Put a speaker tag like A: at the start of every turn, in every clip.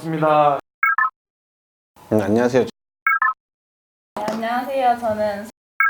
A: 반갑습니다.
B: 안녕하세요.
C: 네, 안녕하세요. 저는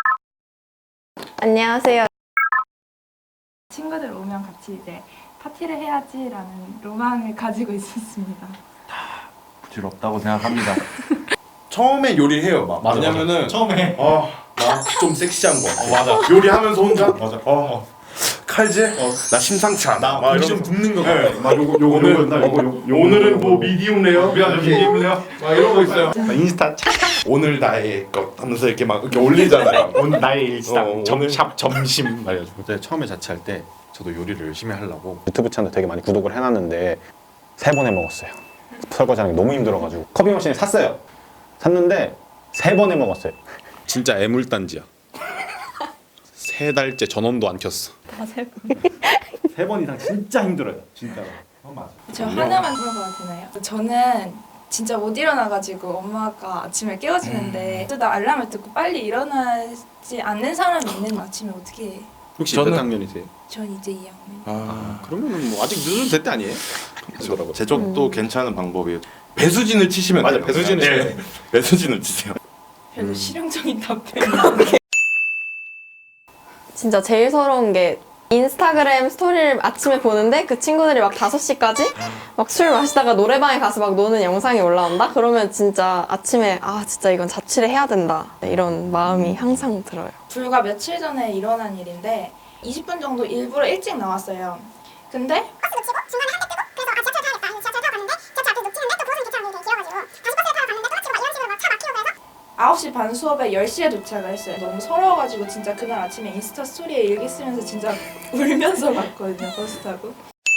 D: 안녕하세요.
C: 친구들 오면 같이 이제 파티를 해야지라는 로망을 가지고 있었습니다.
A: 부질없다고 생각합니다.
E: 처음에 요리해요. 막.
A: 맞아,
E: 왜냐면은
A: 처음에
E: 나 좀 섹시한 거.
A: 맞아.
E: 요리하면서 혼자
A: 맞아.
E: 칼질? 나 심상치 않아. 막
A: 좀
E: 이러면서.
A: 굽는 거
E: 네.
A: 같아. 막 요거
E: 오늘은 뭐 미디움 레어?
A: 미안해 미디움래요? 막 이런 거 있어요.
B: 인스타
E: 오늘 나의 것 하면서 이렇게 막 이렇게 올리잖아요.
B: 오늘 나의 일상
E: 오늘-
B: 샵 점심 말해가지고 그때 처음에 자취할 때 저도 요리를 열심히 하려고
F: 유튜브 채널 되게 많이 구독을 해놨는데 3번 해먹었어요. 설거지하는 게 너무 힘들어가지고 커피 머신을 샀어요. 샀는데 3번 해먹었어요.
B: 진짜 애물단지야. 3달째 전원도 안 켰어.
F: 세 번 이상 진짜 힘들어요. 진짜로.
A: 맞아.
C: 저 하나만 물어봐도 되나요? 저는 진짜 못 일어나가지고 엄마가 아침에 깨워주는데 또 나 알람을 듣고 빨리 일어나지 않는 사람이 있는 아침에 어떻게 해?
B: 혹시
E: 저는-
B: 몇 학년이세요?
C: 전 이제 2학년.
B: 그러면은 뭐 아직 늦어도 될 때 아니에요? 그러더라고요.
E: 제 쪽도 괜찮은 방법이에요. 배수진을 치시면
B: 맞아,
E: 돼요.
B: 배수진을
E: 네.
B: 쳐야 돼.
E: 배수진을 치세요.
C: 별로 실용적인 답변.
D: 진짜 제일 서러운 게 인스타그램 스토리를 아침에 보는데 그 친구들이 막 5시까지 막 술 마시다가 노래방에 가서 막 노는 영상이 올라온다? 그러면 진짜 아침에 아 진짜 이건 자취를 해야 된다 이런 마음이 항상 들어요.
C: 불과 며칠 전에 일어난 일인데 20분 정도 일부러 일찍 나왔어요. 근데 9시 반 수업에 10시에 도착을 했어요. 너무 서러워가지고 진짜 그날 아침에 인스타 스토리에 일기 쓰면서 진짜 울면서 갔거든요. 버스 타고.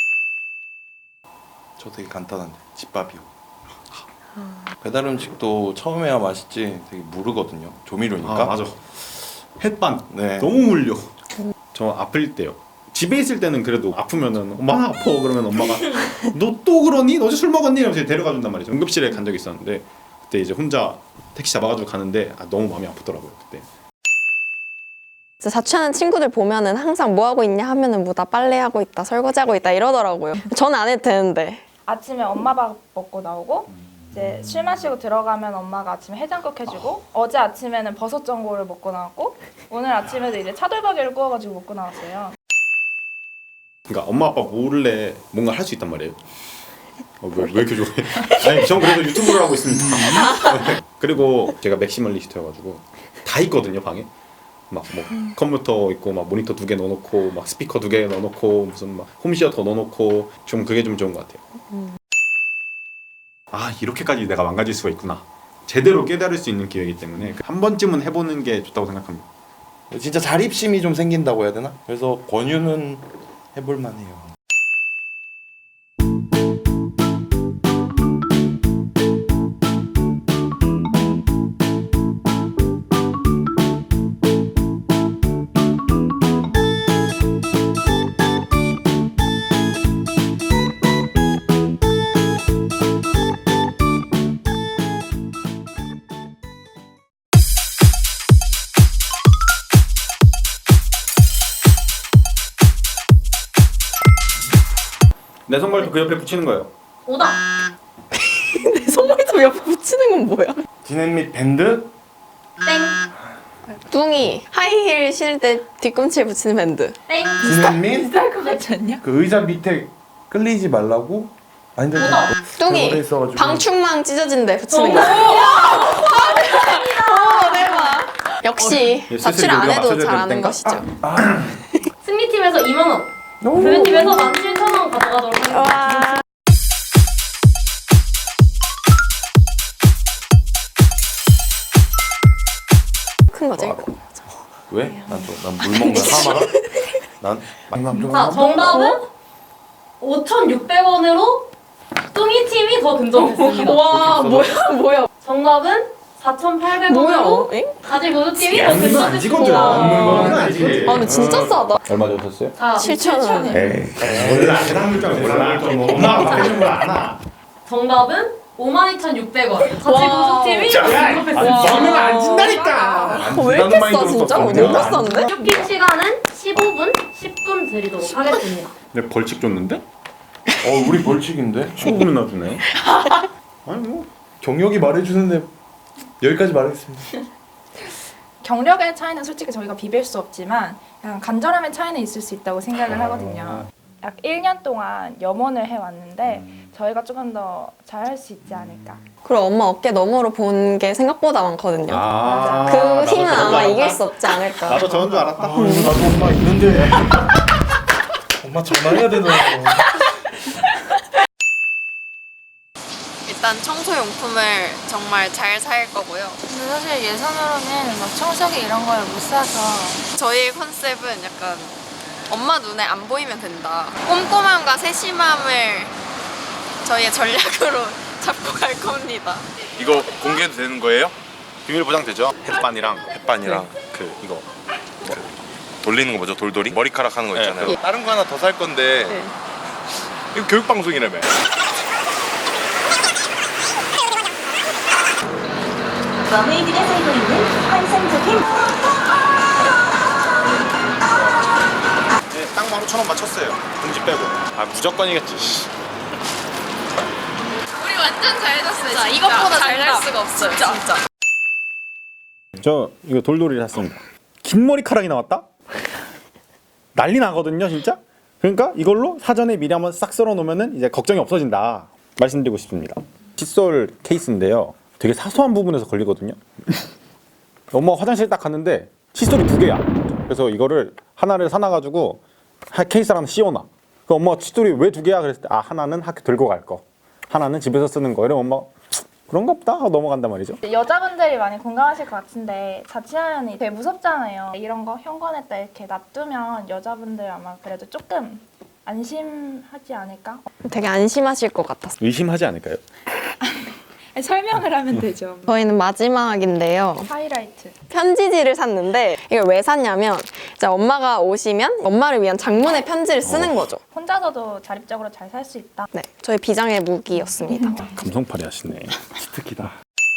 E: 저 되게 간단한데 집밥이요. 배달 음식도 처음에야 맛있지 되게 무르거든요. 조미료니까.
B: 아 맞아. 햇반
E: 네.
B: 너무 물려. 저 아플 때요. 집에 있을 때는 그래도 아프면은 엄마 아파 그러면 엄마가 너 또 그러니? 너 어제 술 먹었니? 이러면서 데려가 준단 말이죠. 응급실에 간 적이 있었는데 그때 이제 혼자 택시 잡아가지고 가는데 너무 마음이 아프더라고요 그때.
D: 진짜 자취하는 친구들 보면은 항상 뭐 하고 있냐 하면은 뭐 나 빨래하고 있다 설거지하고 있다 이러더라고요. 저는 안 해도 되는데.
C: 아침에 엄마 밥 먹고 나오고 이제 술 마시고 들어가면 엄마가 아침에 해장국 해주고 어제 아침에는 버섯 전골을 먹고 나왔고 오늘 아침에도 이제 차돌박이를 구워가지고 먹고 나왔어요.
B: 그러니까 엄마 아빠 몰래 뭔가 할 수 있단 말이에요. 왜 이렇게 좋아해? 아니 전 그래도 유튜브를 하고 있습니다. 그리고 제가 맥시멀리스트여가지고 다 있거든요 방에. 막 뭐 컴퓨터 있고 막 모니터 2개 넣어놓고 막 스피커 2개 넣어놓고 무슨 막 홈시어터 넣어놓고 좀 그게 좀 좋은 것 같아요. 아 이렇게까지 내가 망가질 수가 있구나. 제대로 깨달을 수 있는 기회이기 때문에 한 번쯤은 해보는 게 좋다고 생각합니다.
E: 진짜 자립심이 좀 생긴다고 해야 되나? 그래서 권유는 해볼 만해요.
B: 내 손발도 그 옆에 붙이는 거예요.
C: 오다.
D: 내 손머리도 옆에 붙이는 건 뭐야?
E: 디넷 밴드?
D: 뚱이 하이힐 신을 때 뒤꿈치에 붙이는 밴드.
E: 디넷
C: 비쌀 것 같지 않냐?
E: 그 의자 밑에 끌리지 말라고? 아닌데
D: 뚱이
E: 오래 있어가지고.
D: 방충망 찢어진데 붙이는 거. 오 대박. 역시
B: 예,
D: 자취를 안 해도 잘하는 것이죠.
G: 승리팀에서 2만 원, 교회팀에서 17,000원 가져가도록 하겠습니다.
D: 와. 큰 거지.
E: 왜? 난물 먹는 하마가?
G: 자, 정답은 5,600원으로 뚱이 팀이 더 근접했습니다.
D: 와 뭐야?
G: 정답은
D: 뭐야?
G: 4,800원으로
D: 엥?
G: 가지 모두 팀이 더 근접했습니다.
B: 아니지.
D: 아 근데 진짜 싸다.
F: 얼마 주셨어요?
G: 자,
D: 7,000원.
B: 원래 세상 물가는 몰라. 엄마가 바뀌는 걸 알아.
G: 정답은 52,600원. 가지
D: 와.
G: 모두 팀이 더 근접했습니다.
B: 먹으면 안 진다니까.
D: 왜 이렇게 싸 진짜? 너무 싼데?
G: 쇼핑 시간은 15분, 10분 드리도록 하겠습니다.
B: 내 벌칙 줬는데?
E: 우리 벌칙인데?
B: 15분이나 주네. 아니 뭐
E: 경력이 말해주는데 여기까지 말하겠습니다.
C: 경력의 차이는 솔직히 저희가 비빌 수 없지만 그냥 간절함의 차이는 있을 수 있다고 생각을 하거든요. 약 1년 동안 염원을 해왔는데 저희가 조금 더 잘할 수 있지 않을까.
D: 그리고 엄마 어깨 너머로 본 게 생각보다 많거든요.
B: 아,
D: 그
B: 나도
D: 힘은
B: 저런 줄
D: 아마
B: 알았다.
D: 이길 수 없지 않을까.
B: 나도 저런 줄 알았다.
E: 나도 엄마 있는데. 엄마 전화해야 되나?
D: 일단 청소용품을 정말 잘 살 거고요.
C: 근데 사실 예산으로는 막 청소기 이런 걸 못 사서
D: 저희의 컨셉은 약간 엄마 눈에 안 보이면 된다. 꼼꼼함과 세심함을 저희의 전략으로 잡고 갈 겁니다.
E: 이거 공개도 되는 거예요?
B: 비밀 보장되죠? 햇반이랑
E: 햇반이랑
B: 그 이거
E: 돌리는 거 뭐죠? 돌돌이? 머리카락 하는 거
B: 네,
E: 있잖아요.
B: 그거.
E: 다른 거 하나 더 살 건데
D: 네.
E: 이거 교육 방송이라며.
H: 머메이드가 살고 있는 환상적인
B: 네, 딱 15,000원 맞췄어요. 공지 빼고. 아 무조건이겠지.
D: 우리 완전 잘 잤어요. 진짜 이것보다 잘 잘 수가 없어요. 진짜.
F: 저 이거 돌돌이를 샀습니다. 긴 머리카락이 나왔다? 난리 나거든요, 진짜. 그러니까 이걸로 사전에 미리 한번 싹 썰어 놓으면은 이제 걱정이 없어진다. 말씀드리고 싶습니다. 칫솔 케이스인데요. 되게 사소한 부분에서 걸리거든요. 엄마가 화장실 딱 갔는데 칫솔이 2개야. 그래서 이거를 하나를 사놔가지고 케이스 하나 씌워놔. 그 엄마가 칫솔이 왜 2개야? 그랬을 때 아 하나는 학교 들고 갈 거, 하나는 집에서 쓰는 거. 이러면 엄마가 그런가 보다 하고 넘어간단 말이죠.
C: 여자분들이 많이 공감하실 것 같은데 자취하면 되게 무섭잖아요. 이런 거 현관에다 이렇게 놔두면 여자분들 아마 그래도 조금 안심하지 않을까?
D: 되게 안심하실 것 같았어요.
F: 의심하지 않을까요?
C: 설명을 하면 되죠.
D: 저희는 마지막인데요.
C: 하이라이트.
D: 편지지를 샀는데 이걸 왜 샀냐면 이제 엄마가 오시면 엄마를 위한 장문의 편지를 쓰는 거죠.
C: 혼자서도 자립적으로 잘 살 수 있다.
D: 네, 저희 비장의 무기였습니다.
F: 감성팔이 하시네.
E: 특이다.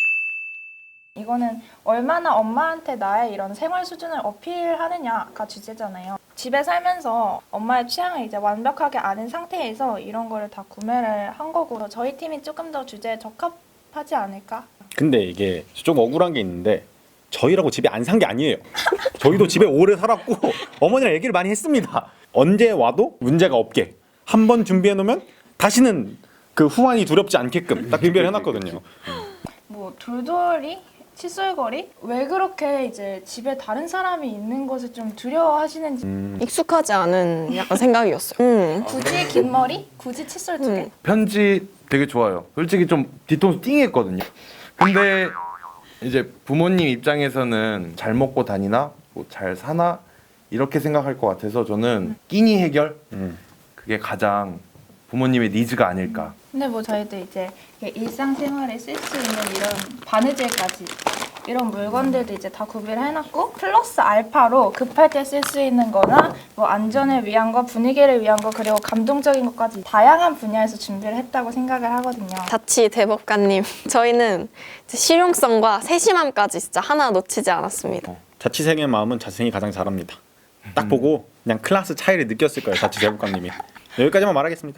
C: 이거는 얼마나 엄마한테 나의 이런 생활 수준을 어필하느냐가 주제잖아요. 집에 살면서 엄마의 취향을 이제 완벽하게 아는 상태에서 이런 거를 다 구매를 한 거고 저희 팀이 조금 더 주제에 적합하지 않을까?
F: 근데 이게 좀 억울한 게 있는데 저희라고 집에 안 산 게 아니에요. 저희도 집에 오래 살았고 어머니랑 얘기를 많이 했습니다. 언제 와도 문제가 없게 한 번 준비해 놓으면 다시는 그 후환이 두렵지 않게끔 딱 준비를 해놨거든요.
C: 뭐 돌돌이? 칫솔거리? 왜 그렇게 이제 집에 다른 사람이 있는 것을 좀 두려워하시는지
D: 익숙하지 않은 약간 생각이었어요.
C: 굳이 긴 머리? 굳이 칫솔 2개?
A: 편지 되게 좋아요. 솔직히 좀 뒤통수 띵했거든요. 근데 이제 부모님 입장에서는 잘 먹고 다니나 뭐 잘 사나 이렇게 생각할 것 같아서 저는 끼니 해결 그게 가장 부모님의 니즈가 아닐까.
C: 근데 뭐 저희도 이제 일상생활에 쓸 수 있는 이런 바느질까지 이런 물건들도 이제 다 구비를 해놨고 플러스 알파로 급할 때 쓸 수 있는 거나 뭐 안전을 위한 거, 분위기를 위한 거 그리고 감동적인 것까지 다양한 분야에서 준비를 했다고 생각을 하거든요.
D: 자치 대법관님, 저희는 이제 실용성과 세심함까지 진짜 하나 놓치지 않았습니다.
F: 자취생의 마음은 자취생이 가장 잘합니다. 딱 보고 그냥 클래스 차이를 느꼈을 거예요. 자취 대법관님이. 여기까지만 말하겠습니다.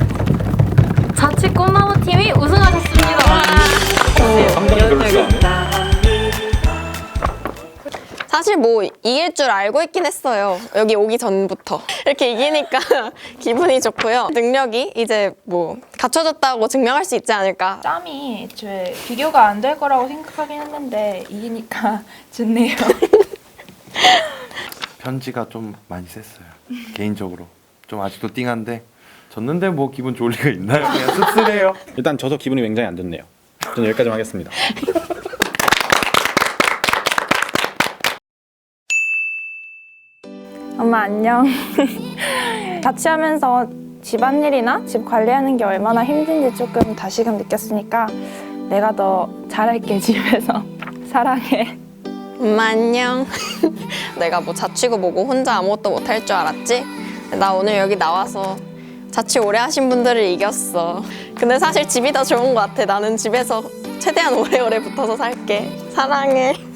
G: 자취 꿈나무 팀이 우승하셨습니다.
F: 상당히 그럴 줄 아네.
D: 사실 뭐 이길 줄 알고 있긴 했어요. 여기 오기 전부터. 이렇게 이기니까 기분이 좋고요. 능력이 이제 뭐 갖춰졌다고 증명할 수 있지 않을까.
C: 짬이 애초에 비교가 안 될 거라고 생각하긴 했는데 이기니까 좋네요.
A: 편지가 좀 많이 셌어요. 개인적으로 좀 아직도 띵한데 졌는데 뭐 기분 좋을 리가 있나요? 그냥 씁쓸해요.
F: 일단 져서 기분이 굉장히 안 좋네요. 저는 여기까지만 하겠습니다.
C: 엄마 안녕. 자취하면서 집안일이나 집 관리하는 게 얼마나 힘든지 조금 다시금 느꼈으니까 내가 더 잘할게 집에서. 사랑해.
D: 엄마 안녕. 내가 뭐 자취고 뭐고 혼자 아무것도 못할 줄 알았지? 나 오늘 여기 나와서 자취 오래 하신 분들을 이겼어. 근데 사실 집이 더 좋은 것 같아. 나는 집에서 최대한 오래오래 붙어서 살게. 사랑해.